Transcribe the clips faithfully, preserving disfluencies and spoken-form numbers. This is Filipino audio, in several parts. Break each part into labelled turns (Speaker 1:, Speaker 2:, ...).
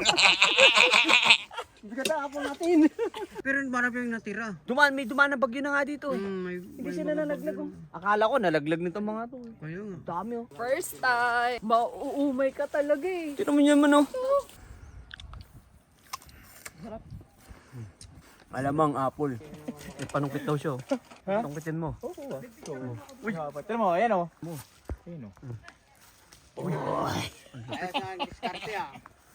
Speaker 1: Bigat na apple natin.
Speaker 2: Pero marami yung natira.
Speaker 3: Dumaan, may dumaan na bagyo na nga dito.
Speaker 2: Hmm, may,
Speaker 3: Hindi
Speaker 2: may
Speaker 3: sila
Speaker 2: mga
Speaker 3: nalaglag.
Speaker 2: bagyo
Speaker 3: Oh. Akala ko nalaglag nito mga to. Eh.
Speaker 2: Kaya nga.
Speaker 3: Dami oh.
Speaker 4: First time. Mauumay ka talaga eh.
Speaker 3: Tino mo naman oh. Sarap. Alamang apple. May panungkit daw siya oh. Panungkitin mo.
Speaker 1: Oo. Uy, tignan mo, ayan o. Ayan o.
Speaker 2: Kaya sa diskarte ah.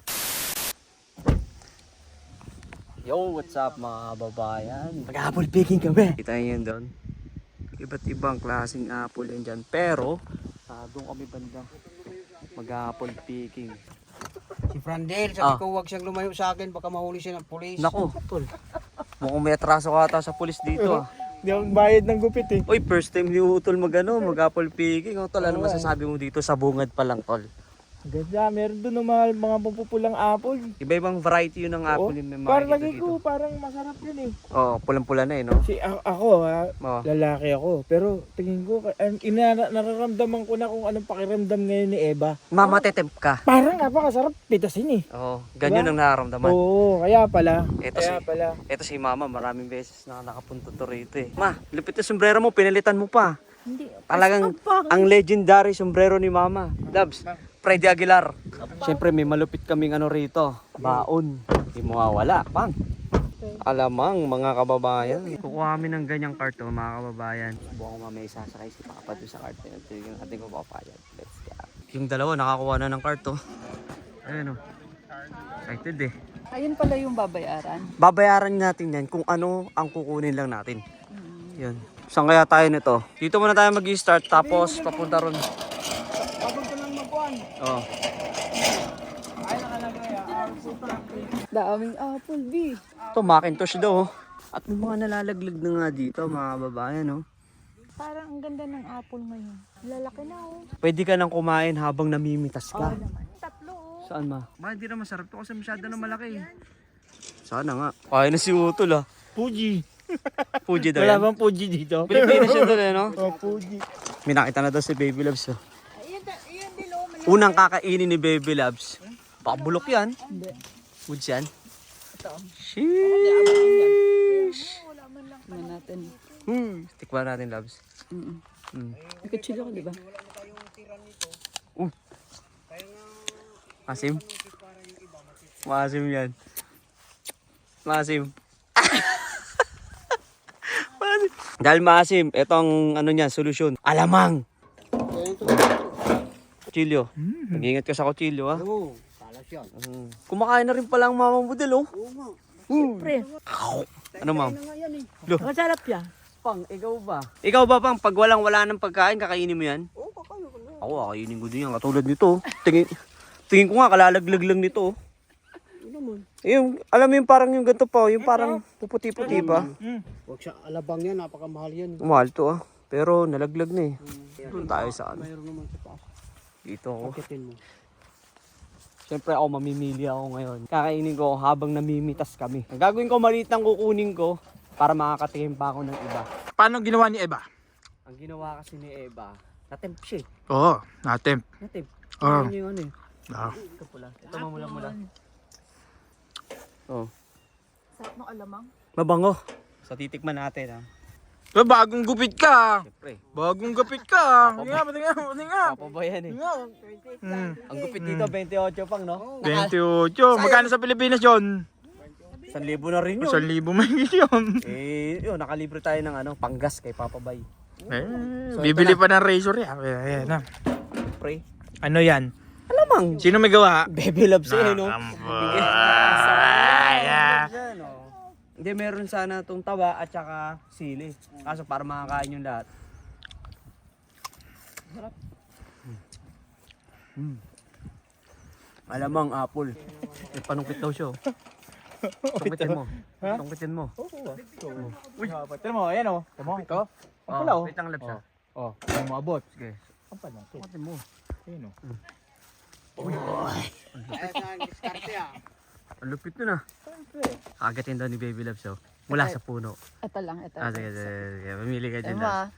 Speaker 3: Yo, what's up mga babayan? Mag-apple picking kami. Kita niyo yun doon. Iba't ibang klaseng apple yan dyan. Pero, ah, doon kami banda. Mag-apple picking.
Speaker 2: Si Frandel, sabi
Speaker 3: Ah.
Speaker 2: ko huwag siyang lumayo sa akin, baka mahuli siya ng pulis.
Speaker 3: Nako, tol. Mukhang may atraso ka ata sa pulis dito ah.
Speaker 1: Hindi ako bayad ng gupit eh.
Speaker 3: Uy, first time ni Utol mag ano, mag-apple picking. Oh, tol, ano masasabi mo dito sa bungad pa lang, tol?
Speaker 1: Ganda, meron doon ng mga, mga pupulang apple.
Speaker 3: Iba-ibang variety yun ng apple
Speaker 1: Oh,
Speaker 3: yung may
Speaker 1: parang
Speaker 3: makikita
Speaker 1: lagi
Speaker 3: dito.
Speaker 1: ko, parang masarap yun eh.
Speaker 3: Oo, oh, pulang-pula na eh, no?
Speaker 1: Si a- ako ha,
Speaker 3: Oo.
Speaker 1: lalaki ako. Pero tingin ko, an- ina, nararamdaman ko na kung anong pakiramdam ngayon ni Eva.
Speaker 3: Mamatetemp ka.
Speaker 1: Parang napakasarap pitasin eh.
Speaker 3: Oo, ganyan ang nararamdaman.
Speaker 1: Oo, kaya pala.
Speaker 3: Ito
Speaker 1: kaya
Speaker 3: si-
Speaker 1: pala.
Speaker 3: Ito si Mama, maraming beses na nakapunta to rito eh. Ma, lupit na sombrero mo, pinalitan mo pa.
Speaker 4: Hindi.
Speaker 3: Talagang ang legendary sombrero ni Mama. Labs, Freddy Aguilar. Siyempre may malupit kaming ano rito. Baon. Hindi mo mawala, pang. Alamang mga kababayan. Kukuha kami ng ganyang cart oh, mga kababayan. Buwan ko mamaya sasakay si Papa doon sa cart. Ito yung ating kupapayag. Let's go. Yung dalawa nakakuha na ng cart oh. Ayun oh. Excited eh.
Speaker 4: Ayun pala yung babayaran.
Speaker 3: Babayaran natin yan kung ano ang kukunin lang natin. Yun. Saan kaya tayo nito? Dito muna tayo mag-i-start tapos papunta ron.
Speaker 1: Pagod ko lang magkuhan.
Speaker 3: Oh.
Speaker 1: Ay, nakalagay ah.
Speaker 4: Daming apple, B.
Speaker 3: Ito Macintosh daw. Oh. At may mga nalalaglag na nga dito mga babayan. Oh.
Speaker 4: Parang ang ganda ng apple ngayon. Lalaki na oh.
Speaker 3: Pwede ka nang kumain habang namimitas ka.
Speaker 4: Tatlo oh.
Speaker 3: Saan ma?
Speaker 2: Ba, hindi na masarap to kasi masyado na malaki.
Speaker 3: Sana nga. Kaya na si Utol ah.
Speaker 1: Fuji.
Speaker 3: Fuji daw
Speaker 1: Wala
Speaker 3: yan.
Speaker 1: bang Fuji dito?
Speaker 3: Pilipinas yun doon eh no?
Speaker 1: Oh, Fuji.
Speaker 3: May nakita na daw si Baby Loves oh.
Speaker 4: Ayan, ayan din oh. Mali-
Speaker 3: Unang kakainin ni Baby Loves. Pakabulok yan.
Speaker 4: Hindi.
Speaker 3: Woods yan.
Speaker 4: Ito.
Speaker 3: Sheesh.
Speaker 4: Wala man lang. Tingnan natin.
Speaker 3: Hmm. Tikman natin Loves.
Speaker 4: Mm
Speaker 3: Hmm.
Speaker 4: Nagkachilo ko, di ba?
Speaker 3: Uh. Masim? Masim yan. Masim. Masim. Dahil masim, ito ang ano niya, solusyon. Alamang! Kutsilyo. Mag-ingat ka sa kutsilyo ha.
Speaker 2: Oo, talas yan.
Speaker 3: Mm. Kumakain na rin pala ang mama mo din oh.
Speaker 2: Oo nga.
Speaker 4: Pre,
Speaker 3: Ano ma'am?
Speaker 2: Ano nga yan eh.
Speaker 4: masarap yan.
Speaker 3: Pang, ikaw ba? Ikaw ba pang, pag walang wala ng pagkain, kakainin mo yan?
Speaker 2: Oo, kakayo ko na.
Speaker 3: Ako, kakainin ko din yan. Katulad nito. Tingin, tingin ko nga, kalalaglag lang nito.
Speaker 2: Ano naman?
Speaker 3: Yung, alam mo yung parang yung ganito pa, yung parang puputi-puti pa.
Speaker 2: Huwag siya alabang yan, napakamahal yan.
Speaker 3: Mahal to ah. Pero nalaglag na eh. Doon tayo sa ano.
Speaker 2: Mayroon naman sa taas.
Speaker 3: Dito ako.
Speaker 2: Pakitin mo.
Speaker 3: Siyempre ako mamimili ako ngayon. Kakainin ko habang namimitas kami. Ang gagawin ko, maliit lang kukunin ko para makakatikim pa ako ng iba.
Speaker 1: Paano ginawa ni Eva?
Speaker 3: Ang ginawa kasi ni Eva, natemp siya eh.
Speaker 1: Oo, natin.
Speaker 3: Natemp.
Speaker 1: Ah.
Speaker 3: Ano yung ano eh.
Speaker 1: Ah.
Speaker 3: Ito pula. Ito mamula-mula. Oh.
Speaker 4: Sarap ng alamang.
Speaker 3: Mabango. So titikman natin ah.
Speaker 1: So, bagong gupit ka.
Speaker 3: Siyempre.
Speaker 1: Bagong gupit ka. Hindi nga, pati nga, pati nga.
Speaker 3: Papabayan eh.
Speaker 1: Hindi nga. Hmm.
Speaker 3: Ang gupit dito, twenty-eight pang no?
Speaker 1: twenty-eight. Magkano sa Pilipinas yun?
Speaker 3: Isang libo na rin yun.
Speaker 1: Isang libo may yun.
Speaker 3: Eh, yun, nakalibre tayo ng ano, panggas kay Papa Bay.
Speaker 1: Eh, bibili pa ng razor yan. Ayan na.
Speaker 3: Pre.
Speaker 1: Ano yan?
Speaker 3: Alamang.
Speaker 1: Sino may gawa?
Speaker 3: Baby loves eh, no?
Speaker 1: Nakambay.
Speaker 3: Yan, oh. Hindi, meron sana itong tawa at saka sili. Kaso para makakain yung lahat. Sarap. Mm. Alamang apple. May panungkit daw siya. oh. Tungkitin mo. Tungkitin mo.
Speaker 1: Uy, tignan mo, ayan o. Tignan mo, ito. Ang pala o.
Speaker 3: Wait lang, labs ah.
Speaker 1: Oh, ang maabot.
Speaker 3: Sige.
Speaker 1: Ang pala.
Speaker 3: Tungkitin mo.
Speaker 1: Ayan o.
Speaker 2: Kaya sa diskarte ah.
Speaker 3: Ang lupit nun ah. Kagatin daw ni Baby Loves oh. Mula sa puno.
Speaker 4: Ito lang, ito.
Speaker 3: Ah, sige, sige, sige. Mamili ka dyan.
Speaker 4: Ema.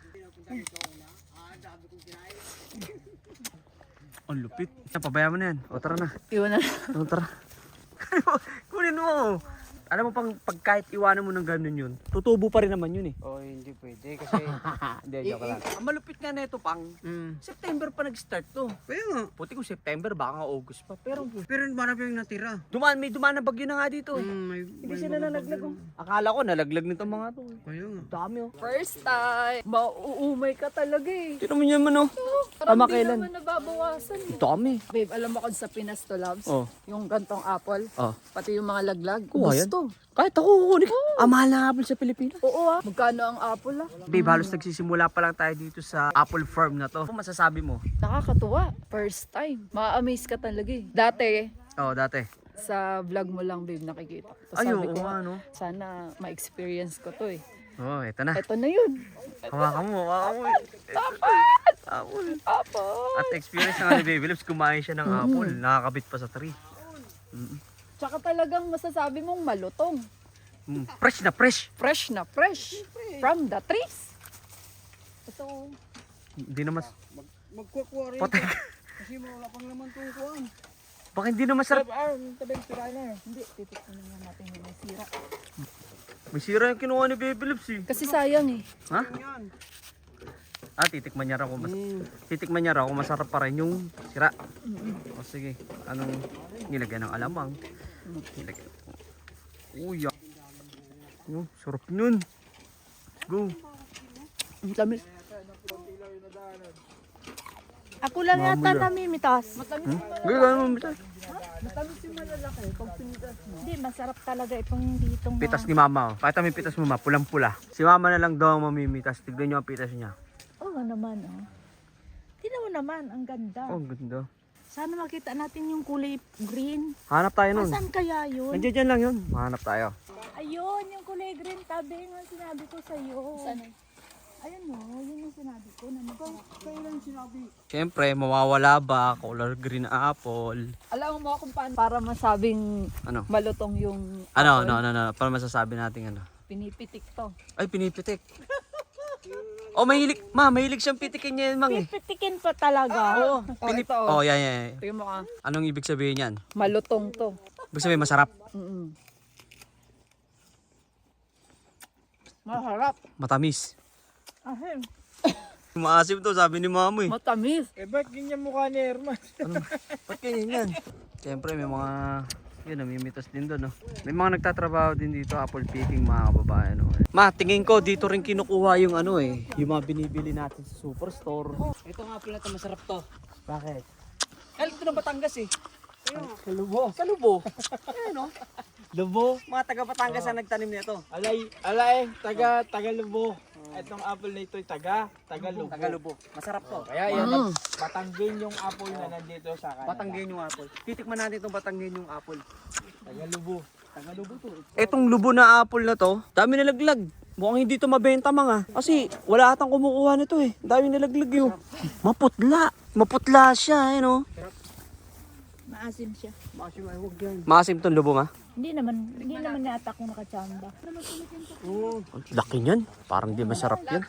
Speaker 3: Ang lupit. Isa, pabayaan mo na yan. O, tara na.
Speaker 4: Iwan na.
Speaker 3: O, tara. Kunin mo. Alam mo pang pag kahit iwanan mo ng ganun yun, tutubo pa rin naman yun eh.
Speaker 2: Oh, hindi pwede kasi...
Speaker 3: Hindi, joke lang. Ang malupit nga neto pang,
Speaker 2: mm.
Speaker 3: September pa nag-start to.
Speaker 2: Kaya nga.
Speaker 3: Puti ko September, baka nga August pa. Pero
Speaker 2: Pero marami yung natira.
Speaker 3: dumaan, may dumaan na bagyo na nga dito eh.
Speaker 2: Mm, may,
Speaker 3: Hindi
Speaker 2: may
Speaker 3: sila
Speaker 2: mga
Speaker 3: nalaglag
Speaker 2: bagyo
Speaker 3: oh. Akala ko nalaglag nito mga to. eh.
Speaker 2: Kaya nga.
Speaker 3: Dami oh.
Speaker 4: First time. Mauumay ka talaga eh.
Speaker 3: Tino mo yan man oh.
Speaker 4: Parang
Speaker 3: Tama
Speaker 4: di
Speaker 3: kailan?
Speaker 4: naman nababawasan eh.
Speaker 3: Dami.
Speaker 4: Babe, alam mo kung sa Pinas to, loves?
Speaker 3: Oh.
Speaker 4: Yung gantong apple,
Speaker 3: Oh.
Speaker 4: pati yung mga laglag,
Speaker 3: Kuha yan?
Speaker 4: gusto.
Speaker 3: Kahit ako kukunin. Ah, mahal na apple sa Pilipinas.
Speaker 4: Oo ah. Magkano ang apple ah?
Speaker 3: Babe, halos nagsisimula pa lang tayo dito sa apple farm na to. Kung masasabi mo?
Speaker 4: Nakakatuwa. First time. Ma-amaze ka talaga eh. Dati,
Speaker 3: Oo, oh, dati.
Speaker 4: sa vlog mo lang babe nakikita. Tapos
Speaker 3: Ay,
Speaker 4: sabi
Speaker 3: oo
Speaker 4: ko,
Speaker 3: nga, no?
Speaker 4: sana ma-experience ko to eh.
Speaker 3: Oo, oh, eto na.
Speaker 4: Eto na yun.
Speaker 3: Hawakan mo, hawakan mo.
Speaker 4: Dapat!
Speaker 3: Apple.
Speaker 4: Apple!
Speaker 3: At experience na nga ni Baby Lips, kumain siya ng apple. Nakakabit pa sa tree.
Speaker 4: Tsaka talagang masasabi mong malutong.
Speaker 3: Mm. Fresh na fresh.
Speaker 4: Fresh na fresh. From the trees. Ito.
Speaker 3: Hindi naman,
Speaker 2: Magkukuha rin.
Speaker 3: patay.
Speaker 2: Kasi wala pang laman itong kuhaan.
Speaker 3: Baka hindi na masarap.
Speaker 1: Ah, tabing tira na eh.
Speaker 4: Hindi, titikman na natin yung may sira.
Speaker 3: May sira yung kinuha ni Baby Lips eh.
Speaker 4: Kasi sayang eh.
Speaker 3: Ha?
Speaker 2: Yan.
Speaker 3: Ah, titikman niya raw kung mas
Speaker 2: Mm.
Speaker 3: titikman niya raw kung masarap pa rin yung sira. O sige, anong nilagyan ng alamang? Nilagyan. Uy, ah. Oh, sarap nun. Go.
Speaker 4: Ang tamis. Ako lang yata namimitas. Matamis
Speaker 3: Hmm? Gagawin mo bitas.
Speaker 4: Matamis yung malalaki. Pag pinitas mo. Hindi, masarap talaga itong ditong
Speaker 3: Pitas ni mama. Oh. Pakita mo yung pitas mo ma, pulang-pula. Si mama na lang daw ang mamimitas. Tignan niyo ang pitas niya.
Speaker 4: Oo nga naman oh. Tingnan mo naman, ang ganda.
Speaker 3: Oh, ang ganda.
Speaker 4: Sana makita natin yung kulay green.
Speaker 3: Hanap tayo nun.
Speaker 4: Saan kaya yun?
Speaker 3: Nandiyan dyan lang yun. Mahanap tayo.
Speaker 4: Ayun, yung kulay green tabi nga sinabi ko sa'yo. Saan? Ayun o, yun yung sinabi ko na masarap.
Speaker 2: Kailan sinabi?
Speaker 3: Siyempre, mawawala ba? Color green na apple.
Speaker 4: Alam mo kung paano para masabing
Speaker 3: Ano?
Speaker 4: malutong yung
Speaker 3: Ano,
Speaker 4: apple?
Speaker 3: no, no, no. Para masasabi natin ano.
Speaker 4: Pinipitik to.
Speaker 3: Ay, pinipitik. Oh, mahilig. Ma, mahilig siyang pitikin niya yun, mang eh.
Speaker 4: Pipitikin pa talaga. Oo.
Speaker 3: Pinip-
Speaker 4: ito.
Speaker 3: oh, yan, yan, yan.
Speaker 4: Tingnan mo ka.
Speaker 3: Anong ibig sabihin yan?
Speaker 4: Malutong to.
Speaker 3: Ibig sabihin masarap.
Speaker 4: Mm-mm. Masarap.
Speaker 3: Matamis.
Speaker 4: Ahem.
Speaker 3: Maasim to, sabi ni mama eh.
Speaker 4: Matamis.
Speaker 1: Eh, ba't ganyan mukha ni Herman?
Speaker 3: Ano? Ba't ganyan yan? Siyempre, may mga, yun, namimitas din doon, no? May mga nagtatrabaho din dito, apple picking, mga kababayan, no? Ma, tingin ko, dito rin kinukuha yung ano eh, yung mga binibili natin sa superstore.
Speaker 2: Ito nga pala ito, masarap to.
Speaker 3: Bakit? Ay, ito ng Batangas eh.
Speaker 1: Sa lubo.
Speaker 3: Sa Lubo. Ayun, no? Lubo? Mga taga Batangas ang nagtanim nito.
Speaker 1: Alay, alay, taga, taga lubo. Itong apple na ito ay taga, taga lubo.
Speaker 3: Taga Lubo. Masarap to.
Speaker 1: Kaya yan,
Speaker 4: Mm.
Speaker 1: Batanggin yung apple na nandito sa Canada.
Speaker 3: Batanggen yung apple. Titikman natin itong Batanggen yung apple.
Speaker 1: Taga lubo.
Speaker 3: Taga Lubo to. Etong Lubo na apple na to, dami nalaglag. Mukhang hindi to mabenta mga. Kasi wala atang kumukuha nito eh. Dami nalaglag yun. Maputla. Maputla siya eh no.
Speaker 4: Maasim siya.
Speaker 2: Masi ay huwag yan.
Speaker 3: Maasim tong Lubo ma.
Speaker 4: Hindi naman, hindi naman yata kung nakachamba.
Speaker 2: Oo.
Speaker 3: Ang laki niyan. Parang di masarap yan.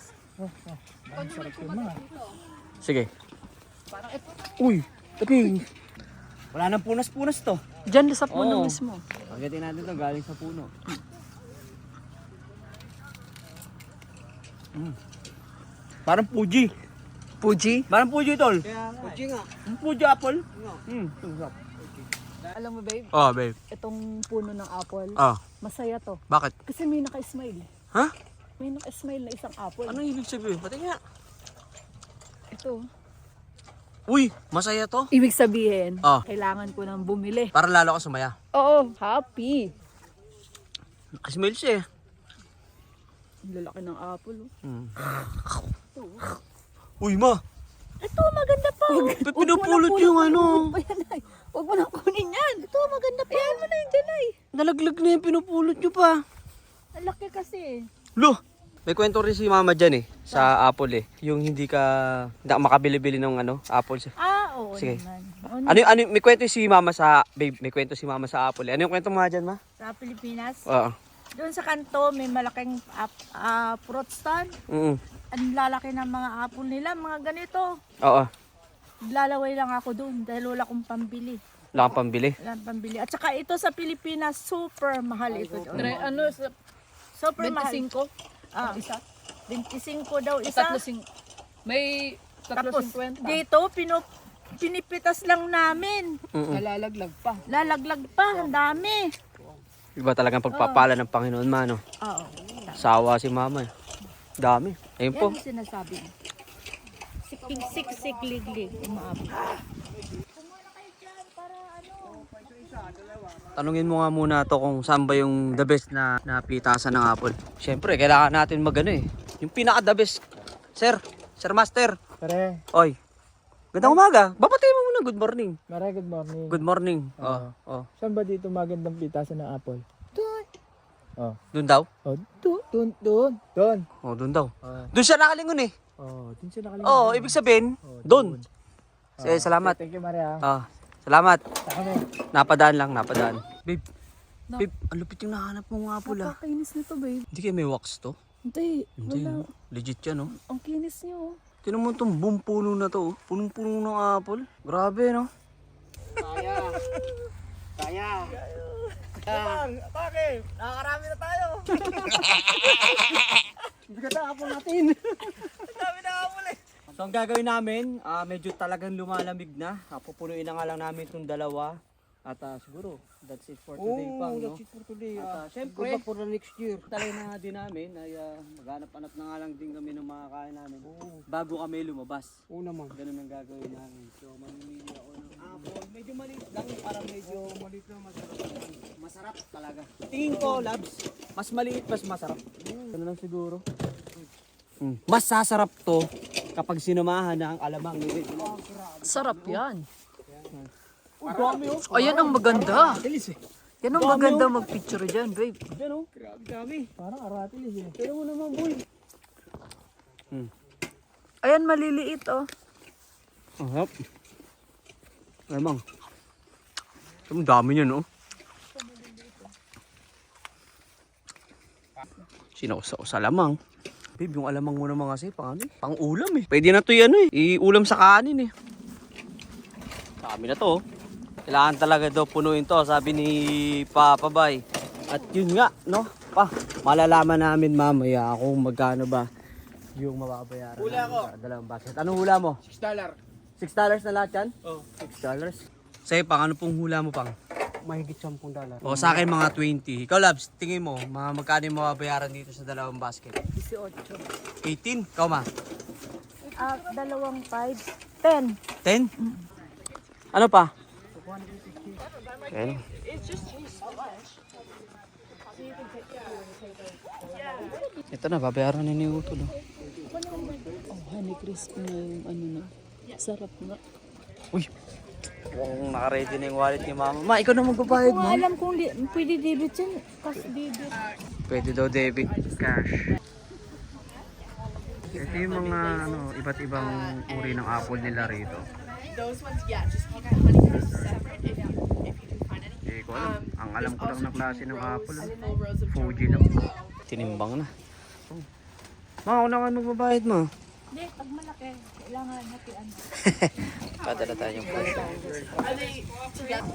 Speaker 3: Sige. Uy, tabi. Wala nang punas-punas to.
Speaker 4: Diyan sa puno
Speaker 3: Oo.
Speaker 4: mismo.
Speaker 3: Pagdating natin to galing sa puno. Mm. Parang Fuji.
Speaker 4: Puji?
Speaker 3: Parang Fuji tol.
Speaker 2: Kaya nga. Uji nga.
Speaker 3: Fuji apple.
Speaker 2: Nga.
Speaker 3: Mm.
Speaker 4: Alam mo babe,
Speaker 3: Oh, babe.
Speaker 4: itong puno ng apple,
Speaker 3: Ah,
Speaker 4: masaya to.
Speaker 3: bakit?
Speaker 4: Kasi may naka-smile.
Speaker 3: Ha?
Speaker 4: May naka-smile na isang apple.
Speaker 3: Anong ibig sabihin? Pati nga.
Speaker 4: Ito.
Speaker 3: Uy, masaya to.
Speaker 4: Ibig sabihin,
Speaker 3: Ah.
Speaker 4: kailangan ko nang bumili.
Speaker 3: Para lalo ka sumaya.
Speaker 4: Oo, happy.
Speaker 3: Nakasmile siya eh.
Speaker 4: Ang lalaki ng apple. Oh.
Speaker 3: Mm. Uy, ma.
Speaker 4: Ito, maganda pa.
Speaker 3: Ba't pinupulot yung ano?
Speaker 4: Ayan ay. Huwag mo nang kunin yan. Ito, maganda pa. Ayan mo na yun dyan ay.
Speaker 3: Nalaglag na yung pinupulot nyo pa.
Speaker 4: Ang laki kasi.
Speaker 3: Lo! May kwento rin si mama dyan eh. Sa apple eh. Yung hindi ka, hindi ka makabili-bili ng ano, apple.
Speaker 4: Ah, oo
Speaker 3: Sige.
Speaker 4: naman.
Speaker 3: Ano, yung- ano, yung- may kwento si mama sa, babe, may kwento si mama sa apple eh. Ano yung kwento mo nga dyan, ma?
Speaker 4: Sa Pilipinas,
Speaker 3: Oo.
Speaker 4: doon sa kanto, may malaking ap- ah, fruit stand.
Speaker 3: Mm.
Speaker 4: Ang lalaki ng mga apple nila, mga ganito.
Speaker 3: Oo.
Speaker 4: Lalaway lang ako doon dahil wala akong pambili.
Speaker 3: Wala kang pambili.
Speaker 4: Wala nang pambili. At saka ito sa Pilipinas, super mahal ito.
Speaker 2: Tre, ano, sa
Speaker 4: Super mahal.
Speaker 2: twenty-five?
Speaker 4: Ah,
Speaker 2: Isa?
Speaker 4: twenty-five daw isa.
Speaker 2: Tatlo sing... May tatlo
Speaker 4: Tapos
Speaker 2: singkwenta.
Speaker 4: dito, pinu, pinipitas lang namin.
Speaker 3: Mm-mm.
Speaker 2: Nalalaglag pa.
Speaker 4: Lalaglag pa, ang dami.
Speaker 3: Iba talagang pagpapala ng Panginoon man, no?
Speaker 4: Oo.
Speaker 3: Sawa si mama eh. Dami. Ayun
Speaker 4: Yan
Speaker 3: po.
Speaker 4: ang sinasabi. Siksik, siksik, liglig. Umaabot. Kumuna kayo dyan para ano.
Speaker 3: Tanungin mo nga muna to kung saan ba yung the best na, na pitasan ng apple. Siyempre, kailangan natin magano eh. Yung pinaka the best. Sir, Sir Master.
Speaker 1: Pare,
Speaker 3: Oy. Gandang umaga. Babatay mo muna. Good morning.
Speaker 1: Mare, good morning.
Speaker 3: Good morning.
Speaker 1: Oo.
Speaker 3: Oh, oh.
Speaker 1: Saan ba dito magandang pitasan ng apple? Doon. Oh.
Speaker 3: Doon daw?
Speaker 1: Oh, doon, doon, doon. Doon.
Speaker 3: Oh, doon daw.
Speaker 1: Oh,
Speaker 3: Doon siya nakalingon eh.
Speaker 1: oh, doon siya nakalimutan.
Speaker 3: Oo, oh, ibig sabihin,
Speaker 1: Oh,
Speaker 3: doon.
Speaker 1: Oh,
Speaker 3: Eh, salamat.
Speaker 1: Thank you, Mare. ah.
Speaker 3: Ah, salamat.
Speaker 1: Saka mo.
Speaker 3: Napadaan lang, napadaan. Babe, babe, ang lupit yung nahanap mo nga pula.
Speaker 4: Napakainis nito, babe.
Speaker 3: Hindi kayo may wax to?
Speaker 4: Hindi.
Speaker 3: Hindi,
Speaker 4: Wala.
Speaker 3: no? Legit yan, no?
Speaker 4: Ang kinis niyo.
Speaker 3: Tinan mo itong buong puno na to, oh. Punong-puno ng apple. Grabe, no?
Speaker 2: Kaya. Kaya.
Speaker 1: Bang, bakit? Nakakarami na tayo.
Speaker 2: Hindi ka tapon natin.
Speaker 1: Dami na apple eh.
Speaker 3: So, ang gagawin namin, ah, medyo talagang lumalamig na. Ah, pupunuin na nga lang namin itong dalawa. At ah, siguro, that's it for today, pang, no?
Speaker 2: that's it for today.
Speaker 3: At ah,
Speaker 2: ah.
Speaker 3: syempre,
Speaker 2: Good luck for the next year.
Speaker 3: Talay na nga din namin ay uh, maghanap-hanap na nga lang din kami ng mga kain namin bago kami lumabas.
Speaker 2: Oo naman.
Speaker 3: Ganun ang gagawin namin. So mamimili ako ng apple. Medyo maliit lang, parang medyo maliit lang, masarap. Masarap talaga. Tingin ko, Labs, mas maliit, mas masarap. Ganun lang siguro. Mm. Mas sasarap to kapag sinamahan na ang alamang ni
Speaker 2: Sarap yan.
Speaker 3: Oh, dami oh.
Speaker 2: Ayan ang maganda.
Speaker 3: Tilis eh.
Speaker 2: Yan ang maganda mag-picture dyan, babe.
Speaker 3: Yan oh. Grabe dami.
Speaker 1: Parang aratilis eh.
Speaker 3: Pero mo naman, boy.
Speaker 4: Ayan, maliliit, oh.
Speaker 3: Ang harap. Alamang. Ang dami niya, no? Sinausaw sa lamang. Babe, yung alamang mo naman kasi, pang ano eh? Pang ulam eh. Pwede na to yan eh. I-ulam sa kanin eh. Dami na to oh. Kailangan talaga daw punuin to, sabi ni Papa Bay. At yun nga, no? Pa, malalaman namin mamaya kung magkano ba yung mababayaran. Hula ko. Dalawang basket. Anong hula mo?
Speaker 1: six dollars.
Speaker 3: six dollars na lahat yan?
Speaker 1: Oh.
Speaker 3: six dollars. Sa'yo, pang ano pong hula mo, pang?
Speaker 2: Mahigit sampung dollar.
Speaker 3: O, sa akin mga twenty. Ikaw, Labs, tingin mo, mga magkano yung mababayaran dito sa dalawang basket? eighteen. Ikaw, ma?
Speaker 4: Ah, dalawang five. Ten.
Speaker 3: ten? Ano pa? ten. Ito na, babayaran na ni Utol. Oh.
Speaker 2: Oh, honey crispy na yung ano na. Sarap na.
Speaker 3: Uy! Kung naka-ready na yung wallet ni Mama. Ma, ikaw na magbabayad
Speaker 4: Kung
Speaker 3: mo.
Speaker 4: alam kung di, pwede debit yan. Cash debit.
Speaker 3: Pwede daw debit cash. Ito yung mga ano, iba't ibang uri ng apple nila rito.
Speaker 5: Those ones, yeah, just keep that honey crisp separate if you if you do find any.
Speaker 3: Eh, ko alam. Ang alam ko lang na klase ng apple. oh.
Speaker 5: Full rows of
Speaker 3: Fuji lang. Tinimbang na. Ma, ako na nga magbabayad mo.
Speaker 4: Hindi, pag malaki, kailangan natin ano.
Speaker 3: Padala tayo yung puso.
Speaker 5: Are they together?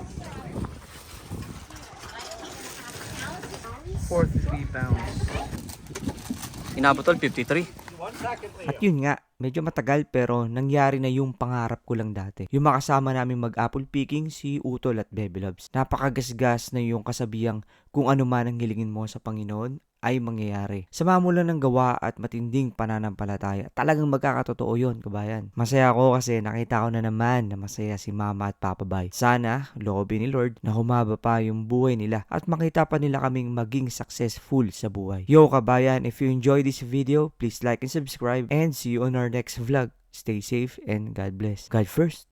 Speaker 3: forty-three pounds. Inabot tol, fifty-three.
Speaker 6: At yun nga, medyo matagal pero nangyari na yung pangarap ko lang dati. Yung makasama namin mag-apple picking si Utol at Bebe Loves. Napakagasgas na yung kasabihang kung ano man ang hilingin mo sa Panginoon ay mangyayari. Sama mo lang ng gawa at matinding pananampalataya. Talagang magkakatotoo yun, kabayan. Masaya ako kasi nakita ko na naman na masaya si Mama at Papa Bay. Sana, loobin ni Lord na humaba pa yung buhay nila at makita pa nila kaming maging successful sa buhay. Yo kabayan, if you enjoyed this video, please like and subscribe and see you on our next vlog. Stay safe and God bless. God first.